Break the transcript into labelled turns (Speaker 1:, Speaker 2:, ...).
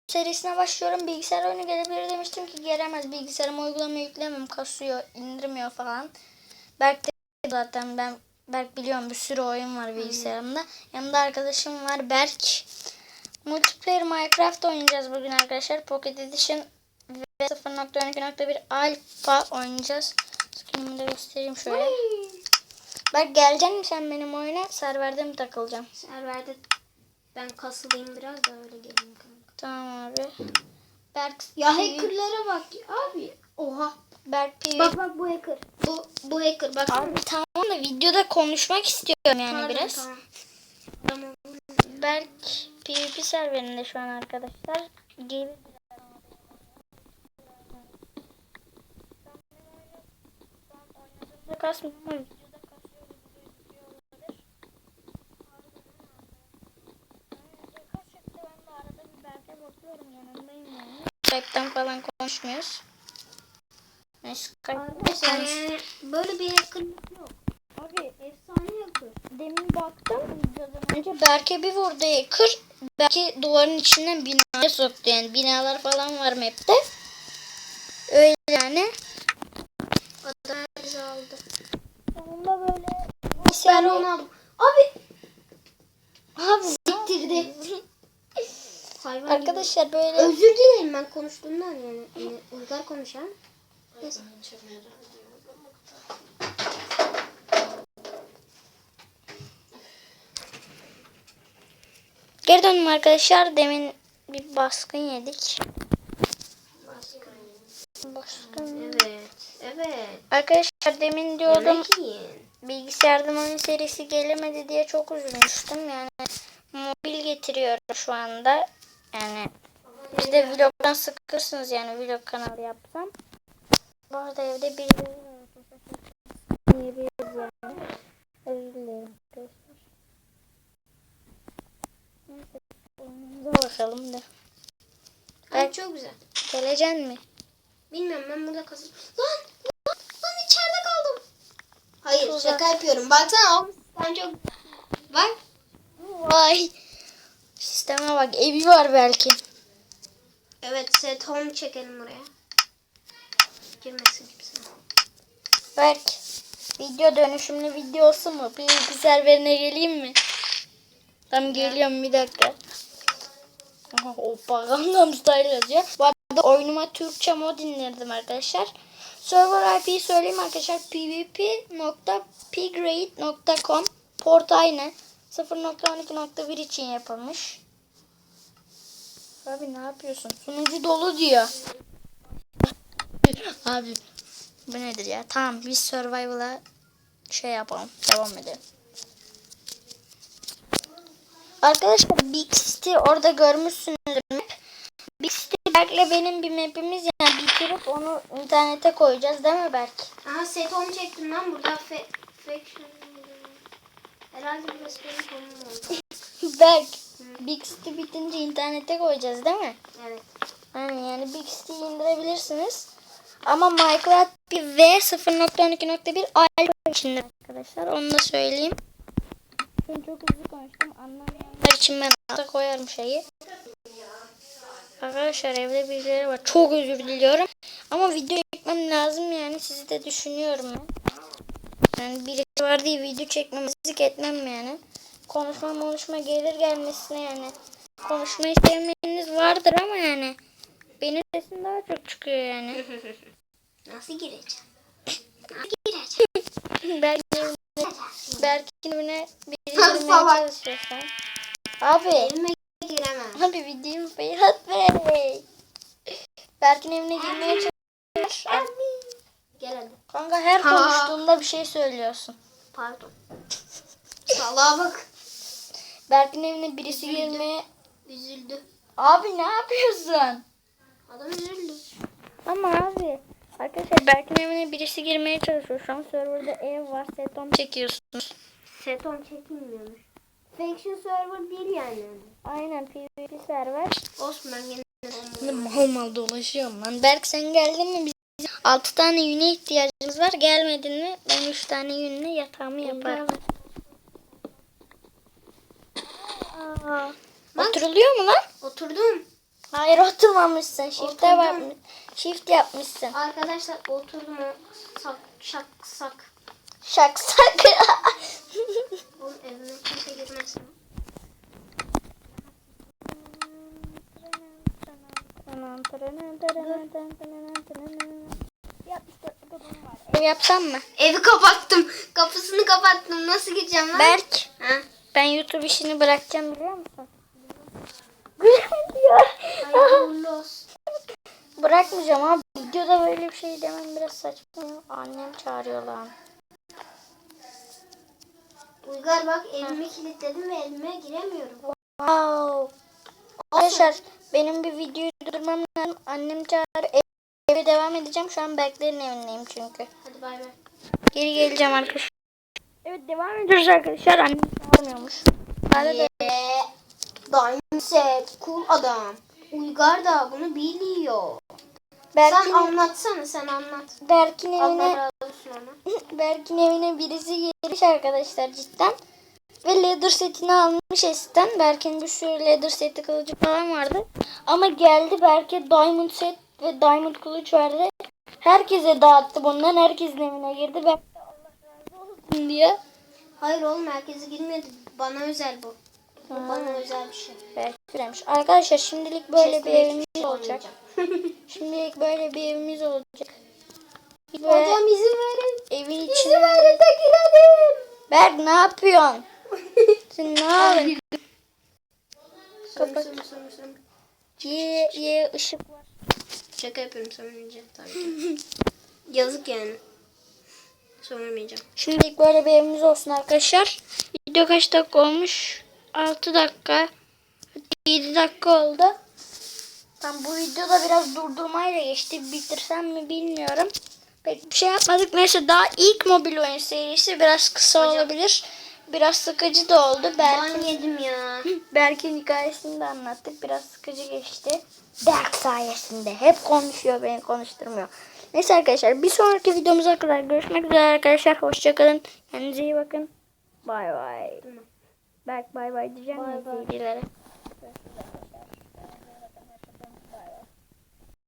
Speaker 1: serisine başlıyorum. Bilgisayar oyunu gelebilir demiştim ki gelemez. Bilgisayarıma uygulama yüklemem, kasıyor, indirmiyor falan. Berk de zaten Berk biliyorum bir sürü oyun var bilgisayarımda. Yanımda arkadaşım var Berk. Multiplayer Minecraft oynayacağız bugün arkadaşlar. Pocket Edition ve 0.12.1 Alpha oynayacağız. Skinimi de göstereyim şöyle. Berk gelecek misin sen benim oyuna? Serverde mi takılacağım?
Speaker 2: Serverde ben kasılayım biraz da öyle geleyim kanka.
Speaker 1: Tamam abi. Berk
Speaker 2: Ya hackerlara bak abi. Oha.
Speaker 1: Berk PvP.
Speaker 2: Bak bu hacker. Bu hacker bak.
Speaker 1: Abi tamam da videoda konuşmak istiyorum yani
Speaker 2: Pardon,
Speaker 1: biraz.
Speaker 2: Tamam.
Speaker 1: Berk PvP serverinde şu an arkadaşlar. Gibi. Kasmıyor ama videoda kasıyor gibi olabilir. Ben de arada bir Berk'e bakıyorum yanındayım yani. Skype'tan falan konuşmuyoruz.
Speaker 2: Arkadaşlar yani böyle bir hacker yok. Abi efsane hacker.
Speaker 1: Demin baktım videodan önce Berk'e bir vurdu hacker. Berk'i duvarın içinden binaya soktu yani. Binalar falan var map'te. Öyle yani.
Speaker 2: Adam bizi aldı.
Speaker 1: Sonunda böyle
Speaker 2: Ben onu aldım. Abi siktirdi. Hayvan
Speaker 1: arkadaşlar
Speaker 2: gibi.
Speaker 1: böyle
Speaker 2: Özür dilerim ben konuştuğumdan yani Uygar konuşan. Neyse.
Speaker 1: geri döndüm arkadaşlar. Demin bir baskın yedik. Baskın.
Speaker 2: Evet.
Speaker 1: Arkadaşlar demin diyordum
Speaker 2: Yemek yiyin.
Speaker 1: bilgisayardan oyun serisi gelemedi diye çok üzülmüştüm. Yani mobil getiriyorum şu anda. Yani biz de vlogdan sıkırsınız yani vlog kanalı yapsam. Bu arada evde bir diyebiliriz yani. Özür dilerim arkadaşlar. Neyse oyunumuza bakalım da.
Speaker 2: Ay çok güzel.
Speaker 1: Geleceksin mi?
Speaker 2: Bilmiyorum ben burada kasıp. Lan içeride kaldım. Hayır
Speaker 1: Tuzak.
Speaker 2: şaka yapıyorum. Baksana oğlum sen çok. Bak.
Speaker 1: Vay. Sisteme bak evi var belki.
Speaker 2: Evet set home çekelim oraya. Girmesin kimse.
Speaker 1: Berk video dönüşümlü videosu mu? Bir serverine geleyim mi? Tamam geliyorum bir dakika. Aha, hoppa Gangnam Style yazıyor. Bu arada oyunuma Türkçe mod indirdim arkadaşlar. Server IP'yi söyleyeyim arkadaşlar. pvp.pgrade.com port aynı. 0.12.1 için yapılmış. Abi ne yapıyorsun? Sunucu dolu diyor. Abi bu nedir ya? Tamam biz survival'a şey yapalım. Devam edelim. Arkadaşlar Big City orada görmüşsünüzdür map. Big City Berk'le benim bir map'imiz yani bitirip onu internete koyacağız değil mi Berk?
Speaker 2: Aha set home çektim lan burada faction. Herhalde burası benim konum oldu.
Speaker 1: Berk Big City bitince internete koyacağız değil mi?
Speaker 2: Evet.
Speaker 1: Yani Big City'yi indirebilirsiniz. Ama Minecraft bir V 0.12.1 Alpha içinde arkadaşlar. Onu da söyleyeyim. Ben çok hızlı konuştum. Anlamayanlar için ben alta koyarım şeyi. Arkadaşlar evde birileri var. Çok özür diliyorum. Ama video çekmem lazım yani. Sizi de düşünüyorum ben. Yani birisi var diye video çekmemezlik etmem yani. Konuşma gelir gelmesine yani. Konuşmayı sevmeyeniniz vardır ama yani. Benim sesim daha çok çıkıyor yani.
Speaker 2: Nasıl gireceğim?
Speaker 1: Berk'in evine biri girmeye çalışıyorsan. Abi.
Speaker 2: Elime giremem.
Speaker 1: Abi videomu Berat Bey. Berk'in evine girmeye çalışıyor.
Speaker 2: Gel hadi.
Speaker 1: Kanka her konuştuğunda bir şey söylüyorsun.
Speaker 2: Pardon. Salaha bak.
Speaker 1: Berk'in evine birisi girmeye...
Speaker 2: Üzüldü.
Speaker 1: Abi ne yapıyorsun?
Speaker 2: Adam üzüldü.
Speaker 1: Ama abi. Arkadaşlar Berk'in evine birisi girmeye çalışıyor. Şu an serverda ev var. Setom çekiyorsunuz.
Speaker 2: Set home çekilmiyormuş. Faction server değil yani.
Speaker 1: Aynen PvP server.
Speaker 2: Olsun ben yine
Speaker 1: Mal dolaşıyorum lan. Berk sen geldin mi? Bizim 6 tane yüne ihtiyacımız var. Gelmedin mi? Ben 3 tane yünle yatağımı yaparım. Aa, oturuluyor mu lan?
Speaker 2: oturdum.
Speaker 1: Hayır oturmamışsın.
Speaker 2: Oturdum.
Speaker 1: Shift yapmışsın.
Speaker 2: Arkadaşlar oturdum o şak.
Speaker 1: Şaksak.
Speaker 2: Oğlum evime kimse girmesin.
Speaker 1: Ev yapsam mı?
Speaker 2: Evi kapattım. Kapısını kapattım. Nasıl gireceğim lan?
Speaker 1: Berk,
Speaker 2: Ha?
Speaker 1: ben YouTube işini bırakacağım biliyor musun? diyor.
Speaker 2: Hayırlı olsun.
Speaker 1: Bırakmayacağım abi. Videoda böyle bir şey demem biraz saçma. Annem çağırıyor lan.
Speaker 2: Uygar bak evimi kilitledim ve evime giremiyorum.
Speaker 1: Wow. Arkadaşlar benim bir videoyu durdurmam lazım. Annem çağırıyor. Eve devam edeceğim. Şu an Berklerin evindeyim çünkü.
Speaker 2: Hadi bay bay.
Speaker 1: Geri geleceğim arkadaşlar. Evet devam ediyoruz arkadaşlar. Annem çağırmıyormuş. Arada
Speaker 2: Diamond set. Cool adam. Uygar da bunu biliyor.
Speaker 1: Berk'in,
Speaker 2: Sen anlatsana sen anlat.
Speaker 1: Berk'in
Speaker 2: Allah
Speaker 1: evine
Speaker 2: razı olsun ona.
Speaker 1: Berk'in evine birisi gelmiş arkadaşlar cidden. Ve leather setini almış Eskiden. Berk'in bir sürü leather seti kılıcı falan vardı. Ama geldi Berk'e diamond set ve diamond kılıç verdi. Herkese dağıttı bundan. Herkesin evine girdi. Berk de Allah razı olsun diye.
Speaker 2: Hayır oğlum herkese girmedi. Bana özel bu. Bu bana özel bir şey.
Speaker 1: Berk demiş. Arkadaşlar şimdilik böyle bir
Speaker 2: Chest'ime
Speaker 1: evimiz
Speaker 2: hiçbir şey
Speaker 1: olacak.
Speaker 2: olmayacak.
Speaker 1: Şimdilik böyle bir evimiz olacak. Ve
Speaker 2: Hocam izin verin.
Speaker 1: evin
Speaker 2: İzin
Speaker 1: içinde...
Speaker 2: verin de girelim.
Speaker 1: Berk ne yapıyorsun? Sen ne yapıyorsun? Kapat.
Speaker 2: Sömür.
Speaker 1: Ye ışık var.
Speaker 2: Şaka yapıyorum sömürmeyeceğim tabii ki. Yazık yani. Sömürmeyeceğim.
Speaker 1: Şimdilik böyle bir evimiz olsun arkadaşlar. Video kaç dakika olmuş? 6 dakika. 7 dakika oldu. Tam bu videoda biraz durdurmayla geçti. Bitirsem mi bilmiyorum. Pek bir şey yapmadık. Neyse daha ilk mobil oyun serisi biraz kısa olabilir. Biraz sıkıcı da oldu.
Speaker 2: Ben yedim ya.
Speaker 1: Berk'in hikayesini de anlattık. Biraz sıkıcı geçti. Berk sayesinde. Hep konuşuyor, beni konuşturmuyor. Neyse arkadaşlar bir sonraki videomuza kadar görüşmek üzere arkadaşlar. Hoşçakalın. Kendinize iyi bakın. Bay bay. Berk bay bay diyeceğim
Speaker 2: Bay bay.
Speaker 1: izleyicilere.